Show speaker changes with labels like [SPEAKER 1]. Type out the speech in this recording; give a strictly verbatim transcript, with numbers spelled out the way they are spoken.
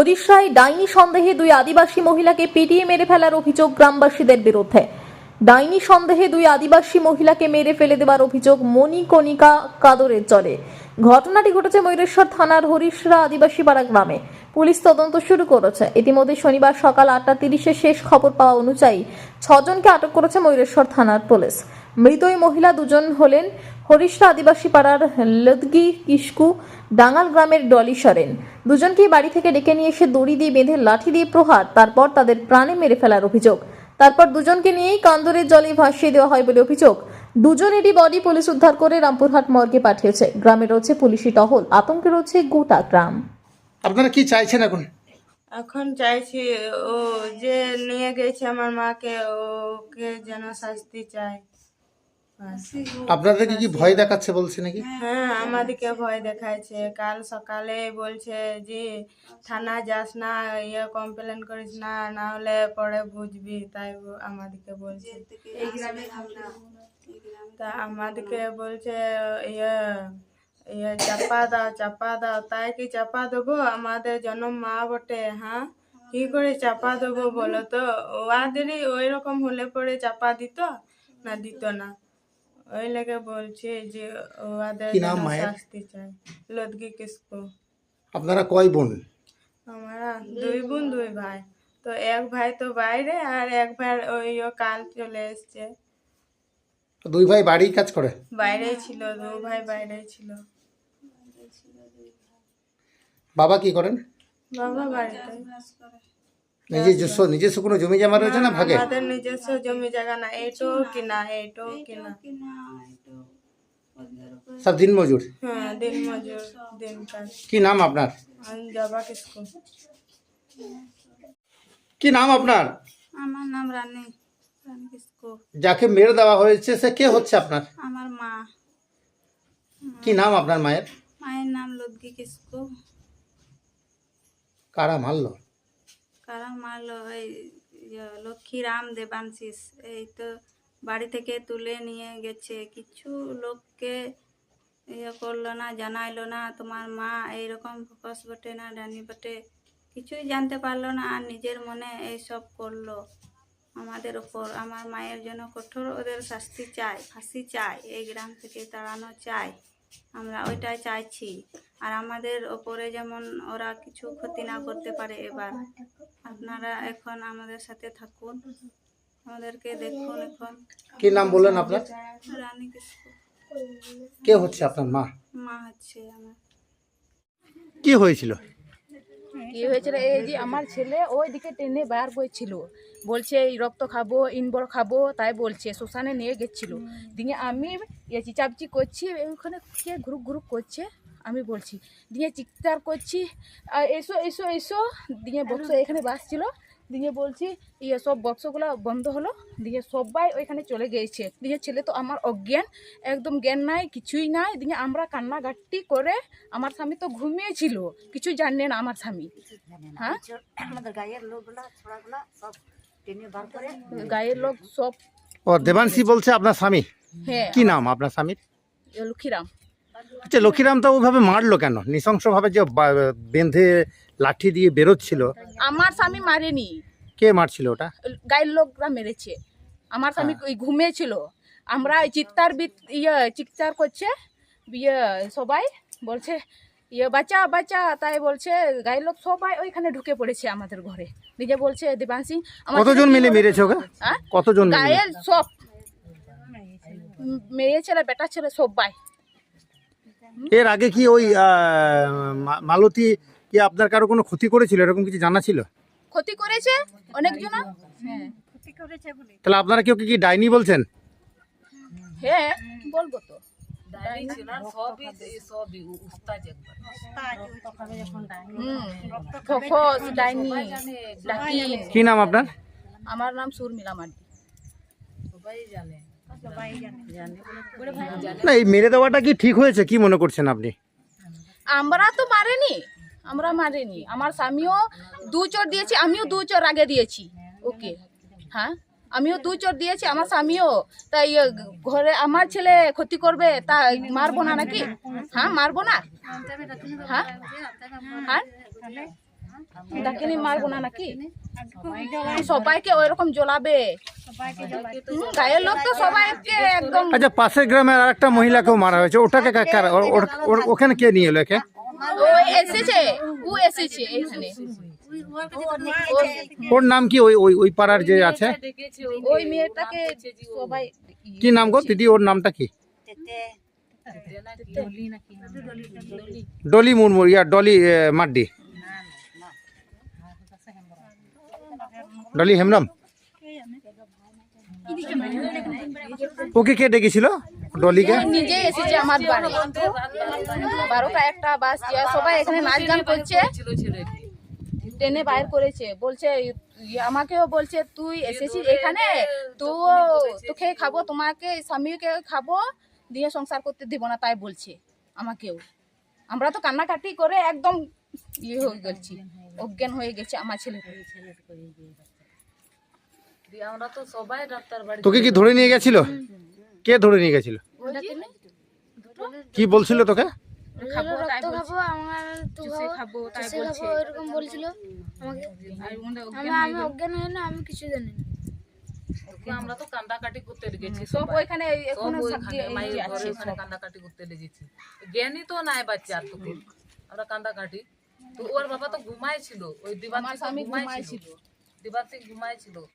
[SPEAKER 1] হরিশায় ডাইনি সন্দেহে দুই আদিবাসী মহিলাকে পিটিয়ে মেরে ফেলার অভিযোগ গ্রামবাসীদের বিরুদ্ধে। ডাইনি সন্দেহে দুই আদিবাসী মহিলাকে মেরে ফেলে দেওয়ার অভিযোগ মণিকণিকা কাদরের চলে। ঘটনাটি ঘটেছে ময়ূরেশ্বর থানার হরিশরা আদিবাসী পাড়া গ্রামে। পুলিশ তদন্ত শুরু করেছে। ইতিমধ্যে শনিবার সকাল আটটা তিরিশে শেষ খবর পাওয়া অনুযায়ী ছজনকে আটক করেছে ময়ূরেশ্বর থানার পুলিশ। মৃত ওই মহিলা দুজন হলেন হরিশরা আদিবাসী পাড়ার লদগি কিসকু, ডাঙ্গাল গ্রামের ডলি সরেন। দুজনকেই বাড়ি থেকে ডেকে নিয়ে এসে দড়ি দিয়ে বেঁধে লাঠি দিয়ে প্রহার, তারপর তাদের প্রাণে মেরে ফেলার অভিযোগ। তারপর দুজনকে নিয়েই কান্দরের জলে ভাসিয়ে দেওয়া হয় বলে অভিযোগ। দুজনেরই বডি পুলিশ উদ্ধার করে রামপুরহাট মর্গে পাঠিয়েছে। গ্রামে রয়েছে পুলিশি টহল, আতঙ্কে রয়েছে গোটা গ্রাম।
[SPEAKER 2] আপনারা কি চাইছেন এখন?
[SPEAKER 3] এখন চাইছি ও যে নিয়ে গেছে আমার মাকে, ওকে যেন শাস্তি চাই।
[SPEAKER 2] আপনাদেরকে কি ভয় দেখাচ্ছে বলছে নাকি?
[SPEAKER 3] হ্যাঁ, আমাদেরকে ভয় দেখাইছে। কাল সকালে বলছে যে থানা যাস না, ইয়ে কমপ্লেন করিস না, না হলে পরে বুঝবি, তাই ব- আমাদেরকে বলছে। তা আমাদেরকে বলছে ইয়ে ইয়ে চাপা দাও চাপা দাও, তাই কি চাপা দেবো? আমাদের জন্ম মা বটে। হ্যাঁ, কি করে চাপা দেবো বলো তো? ওদেরই ওই রকম হলে পরে চাপা দিত না, দিত না। ওই লেগে বলছে যে ওদের
[SPEAKER 2] কি নাম
[SPEAKER 3] যেন
[SPEAKER 2] মায়ের?
[SPEAKER 3] শাস্তি চাই। লদগি কিসকু।
[SPEAKER 2] আপনারা কয় বোন?
[SPEAKER 3] আমরা দুই বোন দুই ভাই। তো এক ভাই তো বাইরে, আর এক ভাই ওই ও কাল চলে এসছে।
[SPEAKER 2] দুই ভাই বাড়ি কাজ করে?
[SPEAKER 3] বাইরেই ছিল, দু ভাই বাইরেই ছিল।
[SPEAKER 2] বাবা কি করেন?
[SPEAKER 3] বাবা বাড়িতে।
[SPEAKER 2] নিজস্ব নিজস্ব কোনো জমি জমা রয়েছে না ভাগে?
[SPEAKER 3] আমাদের নিজস্ব জমি জায়গা না, এইটাও কিনা, এইটাও কিনা।
[SPEAKER 2] সব দিন মজুর?
[SPEAKER 3] হ্যাঁ, দিন মজুর, দিন কাজ।
[SPEAKER 2] কি নাম আপনার?
[SPEAKER 3] আমি যাবা কিসকু।
[SPEAKER 2] কি নাম আপনার?
[SPEAKER 4] আমার নাম রানী রানী কিসকু।
[SPEAKER 2] যাকে মেরে দেওয়া হয়েছে সে কে হচ্ছে আপনার?
[SPEAKER 4] আমার মা।
[SPEAKER 2] কি নাম আপনার মায়ের?
[SPEAKER 4] মায়ের নাম লদগি কিসকু।
[SPEAKER 2] কারা মারলো?
[SPEAKER 4] কারা মারলো? এই ইয়ে, লক্ষ্মীরাম দেবাংশিস। এই তো বাড়ি থেকে তুলে নিয়ে গেছে, কিছু লোককে ইয়ে করলো না, জানাইলো না তোমার মা এইরকম ফোকাস বটে না, ডানি বটে, কিছুই জানতে পারলো না, আর নিজের মনে এইসব করলো আমাদের ওপর। আমার মায়ের জন্য কঠোর ওদের শাস্তি চাই, ফাঁসি চাই, এই গ্রাম থেকে তাড়ানো চাই, আমরা ওইটাই চাইছি। আর আমাদের ওপরে যেমন ওরা কিছু ক্ষতি না করতে পারে। এবার আপনারা এখন আমাদের সাথে থাকুন, আমাদেরকে দেখুন। এখন
[SPEAKER 2] কি নাম বললেন আপনার?
[SPEAKER 4] রানী কিসকু।
[SPEAKER 2] কে হচ্ছে আপনার মা?
[SPEAKER 4] মা হচ্ছে আমার।
[SPEAKER 2] কি হয়েছিল?
[SPEAKER 5] কি হয়েছিল, এই যে আমার ছেলে ওই দিকে টেনে বার করছিল, বলছে এই রক্ত খাবো, ইনবর খাবো, তাই বলছে শ্মশানে নিয়ে গেছিল। দিয়ে আমি ইয়ে চিচাপচি করছি, ওখানে কে গ্রুপ গ্রুপ করছে, আমি বলছি, দিয়ে চিৎকার করছি আর এসো এসো এসো, দিয়ে বক্স এখানে বাসছিল, দিয়ে বলছি ইয়ে সব বক্সগুলো বন্ধ হলো, দিয়ে সবাই ওইখানে চলে গিয়েছে। দিয়ে ছেলে তো আমার অজ্ঞান, একদম জ্ঞান নাই, কিছুই নাই। দিয়ে আমরা কান্নাকাটি করে, আমার স্বামী তো ঘুমিয়েছিল, কিছু জানে না আমার স্বামী। হ্যাঁ, গায়ের লোক সব।
[SPEAKER 2] ও দেবাংশী বলছে আপনার স্বামী?
[SPEAKER 5] হ্যাঁ,
[SPEAKER 2] কি নাম আপনার স্বামীর?
[SPEAKER 5] লক্ষ্মীরাম।
[SPEAKER 2] আচ্ছা, লক্ষ্মীরাম তো ওইভাবে মারলো কেন? নৃশংসভাবে যে বা- বেঁধে লাঠি দিয়ে বেরোচ্ছিল,
[SPEAKER 5] আমার স্বামী মারেনি,
[SPEAKER 2] কে মারছিল ওটা?
[SPEAKER 5] গায়ের লোকরা মেরেছে। আমার স্বামী ওই ঘুমিয়েছিল, আমরা চিৎকার বি- ইয়ে চিৎকার করছে, ইয়ে সবাই বলছে ইয়ে বাচ্চা বাচ্চা, তাই বলছে গায়ের লোক সবাই ওইখানে ঢুকে পড়েছে আমাদের ঘরে। নিজে বলছে দেবাংশী আমার
[SPEAKER 2] কতজন
[SPEAKER 5] ছেলে কি
[SPEAKER 2] মিলে
[SPEAKER 5] করে-
[SPEAKER 2] মেরেছে ওকে?
[SPEAKER 5] হ্যাঁ?
[SPEAKER 2] কতজন মিলে?
[SPEAKER 5] গায়ের সব মেয়ে ছেলে বেটা ছেলে সবাই।
[SPEAKER 2] এর আগে কি ওই আহ, মা- মালতী কি আপনার কারো কোনো ক্ষতি করেছিল, এরকম কিছু জানা ছিল?
[SPEAKER 5] ক্ষতি করেছে অনেকজন। হ্যাঁ
[SPEAKER 2] তাহলে আপনারা কেউ কি ডাইনি বলছেন?
[SPEAKER 5] হ্যাঁ বলবো তো। হুম, ফোকস, ডাইনি, ডাকিন।
[SPEAKER 2] কি নাম আপনার?
[SPEAKER 5] আমার নাম সুরমিলা মান্ডি।
[SPEAKER 2] না, এই মেরে দেওয়াটা কি ঠিক হয়েছে, কি মনে করছেন আপনি?
[SPEAKER 5] আমরা তো মারেনি, আমরা মারেনি। আমার স্বামীও দু চোর দিয়েছি, আমিও দু চোর আগে দিয়েছি ওকে। হ্যাঁ, আমিও দু চোর দিয়েছি, আমার স্বামীও। তাই ঘরে আমার ছেলে ক্ষতি করবে, তা মারবো না নাকি? হ্যাঁ মারবো না। হ্যাঁ হ্যাঁ ডাকিনি মারবো না নাকি? সবাইকে ওইরকম জ্বলাবে। হুম, গায়ের লোক তো সবাইকে একদম।
[SPEAKER 2] আচ্ছা, পাশের গ্রামের আর একটা মহিলাকেও মারা হয়েছে, ওটাকে কা- কারা- ওর- ওর- ওর- ওখানে কে নিয়ে এলো একে?
[SPEAKER 5] ও এসেছে, ও এসেছে এখানে।
[SPEAKER 2] ওর নাম কি? ওই ওই ওই পাড়ার যে আছে,
[SPEAKER 5] ওই মেয়েটাকে সবাই
[SPEAKER 2] কি নাম গো দিদি? ওর নামটা কি? ডলি মুর্মু, ইয়া ডলি এ, মাড্ডি, ডলি হেমব্রম। ওকে কে ডেকেছিল ডলিকে?
[SPEAKER 5] নিজে এসেছে আমার বাড়ি। বারোটা একটা বাজছে, সবাই এখানে নাচ গান করছে, টেনে বাইর করেছে। বলছে ইয়ে আমাকেও বলছে তুই এসেছিস এখানে, তো তোকে খাবো, তোমাকে স্বামীকে খাবো, দিয়ে সংসার করতে দিব না, তাই বলছে আমাকেও। আমরা তো কান্নাকাটি করে একদম ইয়ে হয়ে গেছি, অজ্ঞান হয়ে গেছে আমার ছেলে।
[SPEAKER 2] তোকে কি ধরে নিয়ে গেছিল? কে ধরে নিয়ে গেছিল? কি বলছিল তোকে?
[SPEAKER 5] খাবো তাই
[SPEAKER 6] তো
[SPEAKER 5] বলছে,
[SPEAKER 6] খাবো আমার তো
[SPEAKER 5] চুষে খাবো তাই
[SPEAKER 6] চুষে
[SPEAKER 5] বলছে।
[SPEAKER 6] খাবো এরকম বলছিল আমাকে।
[SPEAKER 5] আর ওখানে
[SPEAKER 6] আমি
[SPEAKER 5] অজ্ঞান হয়ে
[SPEAKER 6] আমি
[SPEAKER 5] গেল।
[SPEAKER 6] অজ্ঞান হয়ে না, আমি কিছু জানি না।
[SPEAKER 7] আমরা তো কান্দাকাটি করতে গেছি,
[SPEAKER 5] সব ওইখানে
[SPEAKER 7] সব
[SPEAKER 5] এখনো
[SPEAKER 7] ওইখানে মায়ের ঘরে
[SPEAKER 5] আছে
[SPEAKER 7] ওখানে কান্দাকাটি করতে লেগেছি। জ্ঞানী তো নাই বাচ্চা তোকে, আমরা কান্দাকাটি। তো ওর বাবা তো ঘুমাইছিল, ওই
[SPEAKER 5] আমার
[SPEAKER 7] দিবাতি
[SPEAKER 5] স্বামী
[SPEAKER 7] ঘুমাইছিল,
[SPEAKER 5] ঘুমাইছিল।
[SPEAKER 7] দিবাতি ঘুমাইছিল।